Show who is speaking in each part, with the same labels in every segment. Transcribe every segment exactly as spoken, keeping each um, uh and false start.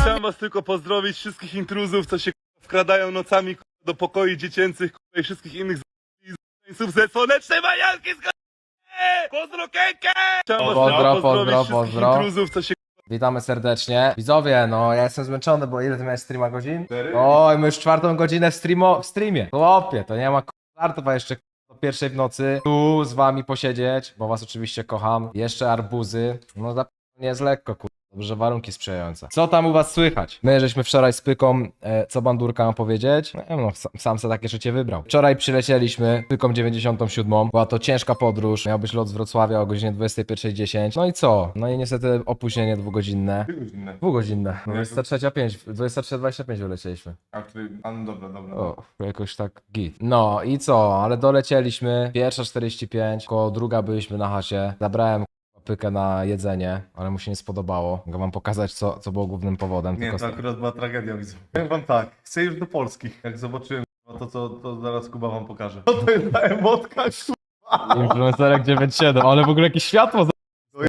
Speaker 1: Chciałem was tylko pozdrowić, wszystkich intruzów, co się k***a, wkradają nocami k***a, do pokoi dziecięcych k***a, i wszystkich innych z***ów ze słonecznej Majorki z k***a. Pozdro Kenkę! Chciałem was
Speaker 2: Pozdro,
Speaker 1: tylko pozdrowić
Speaker 2: pozdro,
Speaker 1: wszystkich
Speaker 2: pozdro.
Speaker 1: intruzów, co się
Speaker 2: Witamy serdecznie. Widzowie, no ja jestem zmęczony, bo ile ty miałeś streama godzin?
Speaker 1: Cztery.
Speaker 2: Oj, my już czwartą godzinę w, streamo, w streamie. Chłopie, to nie ma k***artów, a jeszcze k***, do pierwszej w nocy tu z wami posiedzieć, bo was oczywiście kocham. Jeszcze arbuzy. No za nie jest lekko, kur... Dobrze, warunki sprzyjające. Co tam u was słychać? My żeśmy wczoraj z Pyką, e, co bandurka mam powiedzieć? No, no sam, sam se takie życie wybrał. Wczoraj przylecieliśmy Pyką dziewięćdziesiątą siódmą. Była to ciężka podróż. Miał być lot z Wrocławia o godzinie dwudziestej pierwszej dziesięć. No i co? No i niestety opóźnienie dwugodzinne.
Speaker 1: godzinne.
Speaker 2: Dwugodzinne. dwudziesta trzecia pięć. dwudziesta trzecia dwadzieścia pięć wylecieliśmy.
Speaker 1: A, który... A no dobra, dobra.
Speaker 2: O, jakoś tak git. No i co? Ale dolecieliśmy. Pierwsza czterdzieści pięć. Koło druga byliśmy na chacie. Zabrałem Pykę na jedzenie, ale mu się nie spodobało. Mogę wam pokazać, co, co było głównym powodem.
Speaker 3: Nie,
Speaker 2: tylko
Speaker 3: to akurat była tragedia, widzę. Powiem wam tak, chcę już do Polski. Jak zobaczyłem to, co to zaraz Kuba wam pokaże. Co to jest ta emotka, kurwa?
Speaker 2: Influencerek dziewięć siedem, ale w ogóle jakieś światło. za-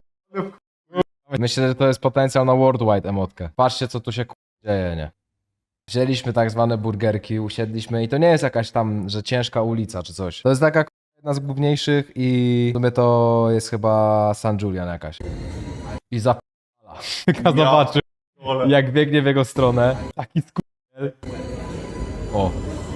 Speaker 2: Myślę, że to jest potencjał na worldwide emotkę. Patrzcie, co tu się k***a dzieje, nie? Wzięliśmy tak zwane burgerki, usiedliśmy i to nie jest jakaś tam, że ciężka ulica czy coś. To jest taka k***a, jedna z główniejszych i w sumie to jest chyba San Julian jakaś. I zapala. Ja zobaczy,
Speaker 3: Ole.
Speaker 2: jak biegnie w jego stronę. Taki skurwiel. O.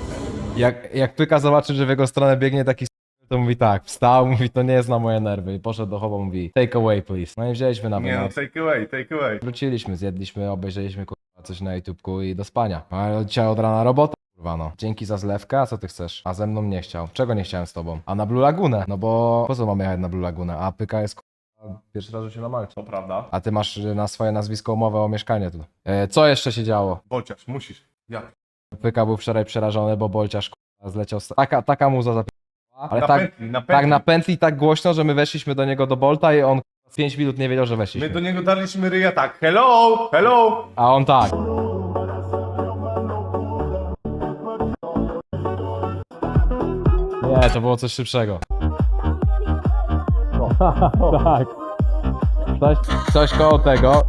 Speaker 2: Jak, jak Pyka zobaczy, że w jego stronę biegnie taki skurwiel, to mówi tak, wstał, mówi to nie jest na moje nerwy i poszedł do chowa, mówi take away please. No i wzięliśmy na
Speaker 3: Nie no,
Speaker 2: wynos.
Speaker 3: take away, take away.
Speaker 2: Wróciliśmy, zjedliśmy, obejrzeliśmy kurwa coś na YouTubeku i do spania. Ale dzisiaj od rana robota, kurwa no. Dzięki za zlewkę, a co ty chcesz? A ze mną nie chciał. Czego nie chciałem z tobą? A na Blue Lagunę? No bo po co mamy jechać na Blue Lagunę? A Pyka jest kurwa pierwszy raz, że się na Malcie.
Speaker 3: To prawda.
Speaker 2: A ty masz na swoje nazwisko umowę o mieszkanie tu. E, co jeszcze się działo?
Speaker 3: Bociarz, musisz. Ja.
Speaker 2: Pyka był wczoraj przerażony, bo Bolciarz kurwa zleciał. z- Taka, taka muza zapisała. Ale
Speaker 3: na
Speaker 2: tak,
Speaker 3: pętli, na pętli.
Speaker 2: tak na pętli tak głośno, że my weszliśmy do niego do Bolta i on z pięć minut nie wiedział, że weszliśmy.
Speaker 3: My do niego daliśmy ryja tak, hello, hello.
Speaker 2: A on tak. Nie, to było coś szybszego. tak. Coś, coś koło tego.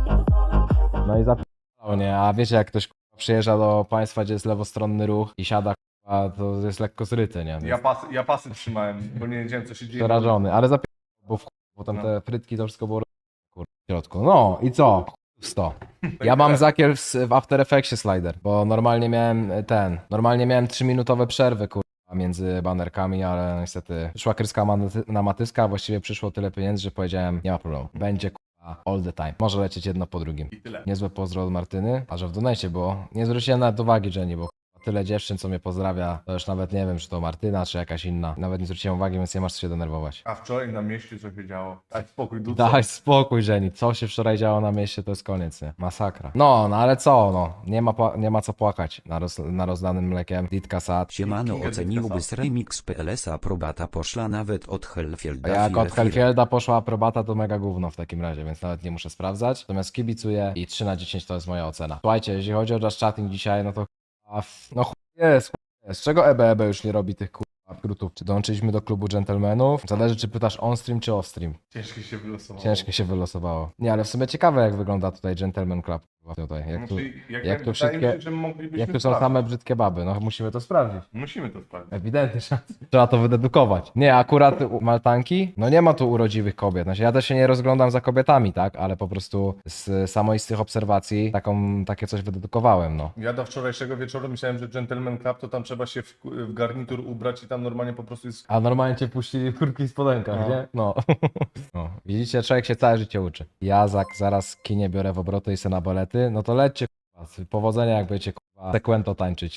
Speaker 2: No i zapytał, nie? A wiecie, jak ktoś kurwa, przyjeżdża do państwa, gdzie jest lewostronny ruch i siada, kurwa, to jest lekko zryty, nie? Więc
Speaker 3: Ja pasy, ja pasy trzymałem, bo nie wiedziałem co się dzieje.
Speaker 2: przerażony, ale zapytał, bo w potem
Speaker 3: No.
Speaker 2: te frytki to wszystko było kurwa, w środku. No i co? sto. Ja mam zakier w, w After Effectsie slider, bo normalnie miałem ten, normalnie miałem trzyminutowe przerwy, kurwa, między banerkami, ale niestety przyszła kryska maty- na matyska, a właściwie przyszło tyle pieniędzy, że powiedziałem, nie ma problemu, będzie kurwa all the time, może lecieć jedno po drugim.
Speaker 3: I tyle.
Speaker 2: Niezłe pozdro od Martyny, a że w donecie było, nie zwróciłem nawet uwagi, Jenny, bo kurwa, tyle dziewczyn, co mnie pozdrawia, to już nawet nie wiem, czy to Martyna, czy jakaś inna, nawet nie zwróciłem uwagi, więc nie masz co się denerwować.
Speaker 3: A wczoraj na mieście co się działo? Daj spokój, duco.
Speaker 2: Daj spokój, Jenny. Co się wczoraj działo na mieście, to jest koniec, nie? Masakra. No, no ale co, no. Nie ma, pła- nie ma co płakać na, roz, na rozdanym mlekiem. Ditka Sad.
Speaker 4: Siemano,
Speaker 3: Kinga
Speaker 4: oceniłby
Speaker 3: Ditkasa.
Speaker 4: z Remix P L S aprobata poszła nawet od Hellfielda.
Speaker 2: Jak
Speaker 4: Fire
Speaker 2: od
Speaker 4: Fire.
Speaker 2: Hellfielda poszła aprobata, to mega gówno w takim razie, więc nawet nie muszę sprawdzać. Natomiast kibicuję i trzy na dziesięć to jest moja ocena. Słuchajcie, jeśli chodzi o Just Chatting dzisiaj, no to a, f- no chuj jest, chuj jest. Z czego E B E B już nie robi tych kurwa skrótów? Czy dołączyliśmy do klubu dżentelmenów? Zależy, czy pytasz on-stream, czy off-stream.
Speaker 3: Ciężko się wylosowało.
Speaker 2: Ciężko się wylosowało. Nie, ale w sumie ciekawe, jak wygląda tutaj Gentleman Club. kurwa, Tutaj. Jak tu,
Speaker 3: Znaczy, jak,
Speaker 2: jak tu
Speaker 3: wydaje
Speaker 2: wszystkie-
Speaker 3: mi się, że moglibyśmy
Speaker 2: jak tu są
Speaker 3: sprawdzić.
Speaker 2: same brzydkie baby, no musimy to sprawdzić.
Speaker 3: Musimy to sprawdzić.
Speaker 2: Ewidentnie, trzeba, trzeba to wydedukować. Nie, akurat u Maltanki, no nie ma tu urodziwych kobiet. Znaczy, ja też się nie rozglądam za kobietami, tak, ale po prostu z samoistych obserwacji taką, takie coś wydedukowałem, no.
Speaker 3: Ja do wczorajszego wieczoru myślałem, że Gentleman Club to tam trzeba się w, w garnitur ubrać i tam normalnie po prostu jest...
Speaker 2: A normalnie cię puścili w kurki i spodenkach,
Speaker 3: No.
Speaker 2: nie? No. no. Widzicie, człowiek się całe życie uczy. Ja za, zaraz kinie biorę w obroty i se na balety, no to lećcie, kurwa, powodzenia jak będziecie, kurwa, sekwento tańczyć.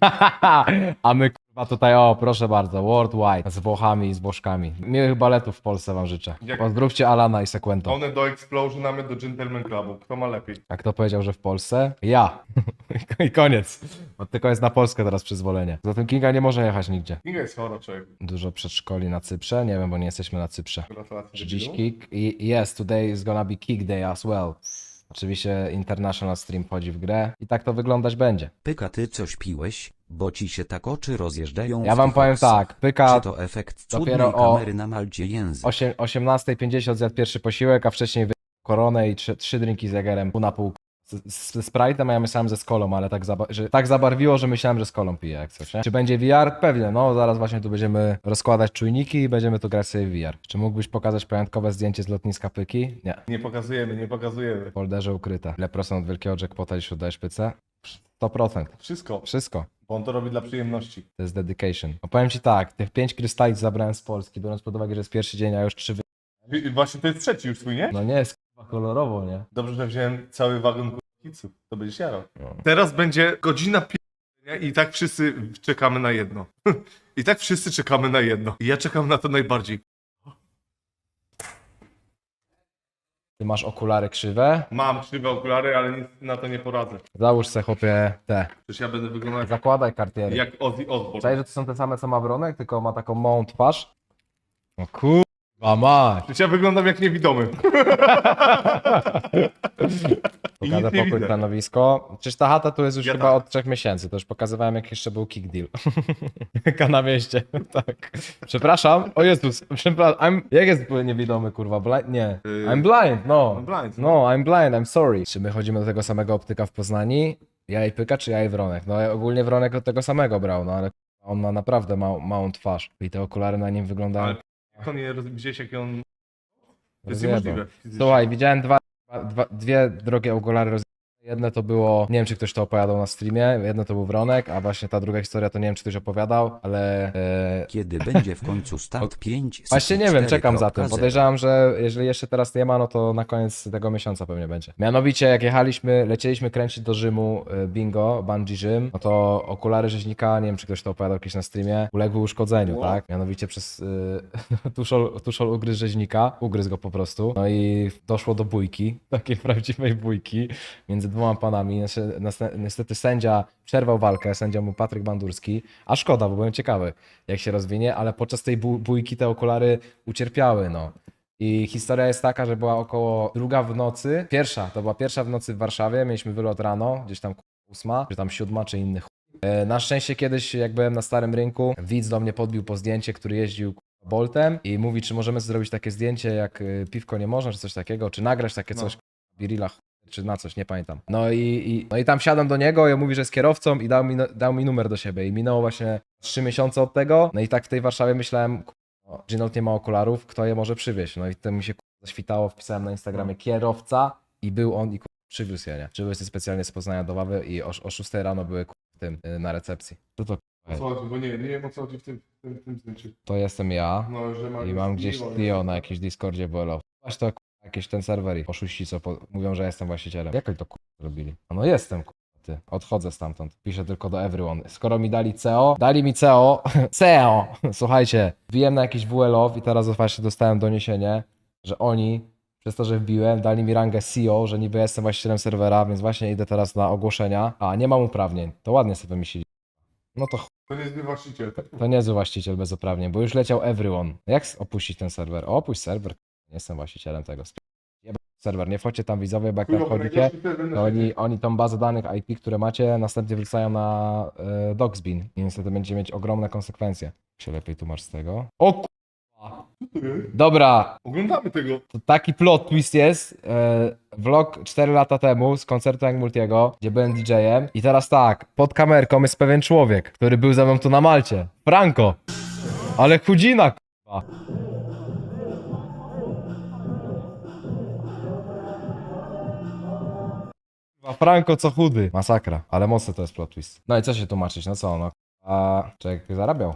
Speaker 2: A my, kurwa, tutaj, o, proszę bardzo, worldwide, z Włochami i z Włoszkami. Miłych baletów w Polsce wam życzę.
Speaker 3: Jak-
Speaker 2: Pozdrówcie Alana i Sekwento.
Speaker 3: One do Explosion, a my do Gentleman Clubu. Kto ma lepiej?
Speaker 2: A kto powiedział, że w Polsce? Ja. I koniec. Bo tylko jest na Polskę teraz przyzwolenie. Zatem Kinga nie może jechać nigdzie.
Speaker 3: Kinga jest chora, człowiek.
Speaker 2: Dużo przedszkoli na Cyprze? Nie wiem, bo nie jesteśmy na Cyprze.
Speaker 3: Gratulacje.
Speaker 2: Dziś
Speaker 3: debilu.
Speaker 2: kick i yes, today is gonna be kick day as well. Oczywiście international stream wchodzi w grę i tak to wyglądać będzie.
Speaker 4: Pyka, ty coś piłeś, bo ci się tak oczy rozjeżdżają.
Speaker 2: Ja
Speaker 4: w
Speaker 2: wam
Speaker 4: tych
Speaker 2: powiem
Speaker 4: oksach.
Speaker 2: tak, Pyka
Speaker 4: Czy to efekt cudnej
Speaker 2: dopiero o
Speaker 4: kamery na Malcie język?
Speaker 2: osiemnasta pięćdziesiąt zjadł pierwszy posiłek, a wcześniej wy koronę i trzy, trzy drinki z Jagerem pół na pół z, z Sprite'em, a ja myślałem, że z kolą, ale tak, zaba- że tak zabarwiło, że myślałem, że z kolą piję jak coś, nie? Czy będzie V R? Pewnie, no zaraz właśnie tu będziemy rozkładać czujniki i będziemy tu grać sobie w V R. Czy mógłbyś pokazać pamiątkowe zdjęcie z lotniska Pyki? Nie.
Speaker 3: Nie pokazujemy, nie pokazujemy.
Speaker 2: W folderze ukryte. Ile procent od wielkiego jackpota, jeśli oddajesz pycę? sto procent.
Speaker 3: Wszystko.
Speaker 2: Wszystko.
Speaker 3: Bo on to robi dla przyjemności.
Speaker 2: To jest dedication. No powiem ci tak, tych pięć krystali zabrałem z Polski, biorąc pod uwagę, że jest pierwszy dzień, a już trzy wy...
Speaker 3: I właśnie to jest trzeci już twój, nie?
Speaker 2: No nie jest k***a kolorowo, nie?
Speaker 3: Dobrze, że wziąłem cały wagon kiców. To będziesz jarał.
Speaker 2: No.
Speaker 3: Teraz będzie godzina pi... i tak wszyscy czekamy na jedno. I tak wszyscy czekamy na jedno. I ja czekam na to najbardziej.
Speaker 2: Ty masz okulary krzywe?
Speaker 3: Mam krzywe okulary, ale nic na to nie poradzę.
Speaker 2: Załóż se chłopie te.
Speaker 3: Przecież ja będę wyglądał
Speaker 2: Zakładaj kartiery.
Speaker 3: jak Ozzy Osbourne.
Speaker 2: Cześć, że to są te same co ma Wronek, tylko ma taką małą twarz. O kurwa mać.
Speaker 3: Przecież ja wyglądam jak niewidomy. I
Speaker 2: Pokażę
Speaker 3: nic nie
Speaker 2: pokój,
Speaker 3: widzę.
Speaker 2: stanowisko. Przecież ta chata tu jest już
Speaker 3: Ja
Speaker 2: chyba
Speaker 3: tak.
Speaker 2: od trzech miesięcy. To już pokazywałem jak jeszcze był kick deal. Jaka na mieście. Tak. Przepraszam. O Jezus. Przepraszam. I'm... Jak jest niewidomy kurwa? Blind? Nie.
Speaker 3: Yy,
Speaker 2: I'm blind. No.
Speaker 3: I'm blind.
Speaker 2: No, I'm blind. I'm sorry. Czy my chodzimy do tego samego optyka w Poznani? Ja i Pyka, czy ja i Wronek? No ogólnie Wronek od tego samego brał, no ale on ma naprawdę mał, małą twarz. I te okulary na nim wyglądają...
Speaker 3: Ale to nie roz- gdzieś jak on... To jest
Speaker 2: Rozjebał.
Speaker 3: niemożliwe. fizycznie.
Speaker 2: Słuchaj, widziałem dwa, dwa, dwie drogie okulary roz... Jedne to było, nie wiem czy ktoś to opowiadał na streamie, jedno to był Wronek, a właśnie ta druga historia to nie wiem czy ktoś opowiadał, ale... E...
Speaker 4: Kiedy będzie w końcu start pięć?
Speaker 2: Właśnie nie wiem, czekam za tym.
Speaker 4: zero.
Speaker 2: Podejrzewam, że jeżeli jeszcze teraz nie ma, no to na koniec tego miesiąca pewnie będzie. Mianowicie jak jechaliśmy, lecieliśmy kręcić do Rzymu e, bingo, bungee Rzym, no to okulary rzeźnika, nie wiem czy ktoś to opowiadał kiedyś na streamie, uległy uszkodzeniu,
Speaker 3: Wow.
Speaker 2: tak? Mianowicie przez y, tuszol, tuszol ugryzł rzeźnika, ugryzł go po prostu, no i doszło do bójki, takiej prawdziwej bójki między dwoma panami. Niestety- Niestety, niestety sędzia przerwał walkę, sędzia był Patryk Bandurski, a szkoda, bo byłem ciekawy jak się rozwinie, ale podczas tej bó- bójki te okulary ucierpiały, no. I historia jest taka, że była około druga w nocy, pierwsza, to była pierwsza w nocy w Warszawie, mieliśmy wylot rano, gdzieś tam ósma, czy tam siódma, czy inny chuj. E, Na szczęście kiedyś, jak byłem na Starym Rynku, widz do mnie podbił po zdjęcie, który jeździł k***a, Boltem i mówi, czy możemy zrobić takie zdjęcie, jak y, piwko nie można, czy coś takiego, czy nagrać takie
Speaker 3: No.
Speaker 2: coś, k***a, Birilla, chuj, czy na coś, nie pamiętam. No i, i, no i tam siadam do niego i on mówi, że jest kierowcą i dał mi, no- dał mi numer do siebie i minęło właśnie trzy miesiące od tego, no i tak w tej Warszawie myślałem, k***a, Ginold nie ma okularów, kto je może przywieźć, no i to mi się k***a, zaświtało, wpisałem na Instagramie kierowca i był on i k***a, przywiózł je, nie? Przywiózł je specjalnie z Poznania do Wawy i o, o szóstej rano były k***a, w tym, y, na recepcji. Co to k***a,
Speaker 3: O co chodzi? Bo nie, nie wiem o co chodzi w tym, w tym, w tym zdjęciu.
Speaker 2: to jestem ja
Speaker 3: No, że ma
Speaker 2: i mam gdzieś Tio na jakimś Discordzie W L O. Aż to k***a, jakieś ten serwer i oszuści co po... mówią, że jestem właścicielem. Jak oni to k***a zrobili? A no jestem k***a, ty. Odchodzę stamtąd. Piszę tylko do everyone. Skoro mi dali C O, dali mi C O, C O! Słuchajcie, wbiłem na jakiś W L O i teraz właśnie dostałem doniesienie, że oni przez to, że wbiłem, dali mi rangę C O, że niby jestem właścicielem serwera, więc właśnie idę teraz na ogłoszenia. A, nie mam uprawnień. To ładnie sobie wymyślili. No to ch...
Speaker 3: To nie jest właściciel.
Speaker 2: to niezły właściciel bez uprawnień, bo już leciał everyone. Jak opuścić ten serwer? O, opuść serwer. Nie jestem właścicielem tego. Jebać serwer, nie wchodźcie tam widzowie, bo jak tam wchodzicie, to oni, oni tą bazę danych I P, które macie, następnie wrzucają na e, Doxbin i niestety będziecie mieć ogromne konsekwencje. Się lepiej tłumacz z tego. O k***a. Dobra,
Speaker 3: Oglądamy tego.
Speaker 2: to taki plot twist jest. E, vlog cztery lata temu z koncertu Young Multiego, gdzie byłem D J-em. I teraz tak, pod kamerką jest pewien człowiek, który był ze mną tu na Malcie. Franco. Ale chudzina, k***a. Kurwa, Franco co chudy. Masakra, ale mocny to jest plot twist. No i co się tłumaczyć, no co, no. A człowiek zarabiał.